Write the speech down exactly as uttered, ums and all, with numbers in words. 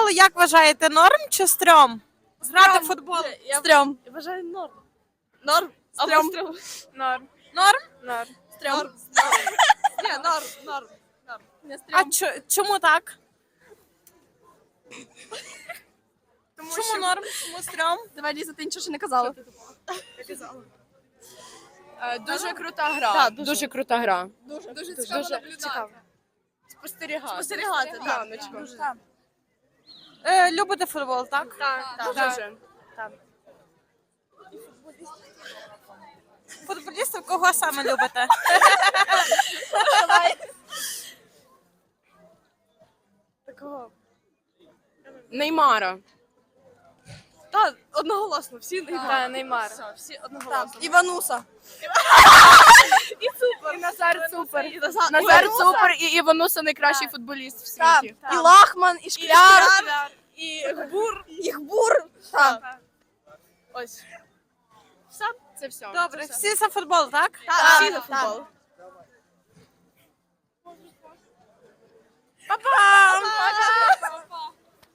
футбол, як вважаєте, норм чи стрьом? Грати в фуфутбол. Стрьом. Я вважаю норм. Норм. Стрьом. Або Норм. Норм? Норм. Норм. Ні, норм, норм. Не А стрьом. чо- чому так? Тому Чому що... норм? Чому стрьом? Давай, Ліза, ти нічого ще не казала. Е, Дуже крута гра. Так, дуже. дуже крута гра. Дуже, дуже цікаво наблюдати. Спостерігати. Спостерігати, так. Яночко. Дуже. Е, любите футбол, так? Так, Так. дуже. Футболістів кого саме любите? Такого. Неймара. Так, одноголосно, всі не Та, Неймар. Все, всі одноголосно. Івануса. І Назар Цупер. І Назар- Назар Івануса. Цупер і Івануса найкращий футболіст в Так. світі. І Лахман, і Шкляр, І Гбур. і Гбур. Так. Ось. Все. Це все. Добре, всі за футбол, так? Так, всі за футбол.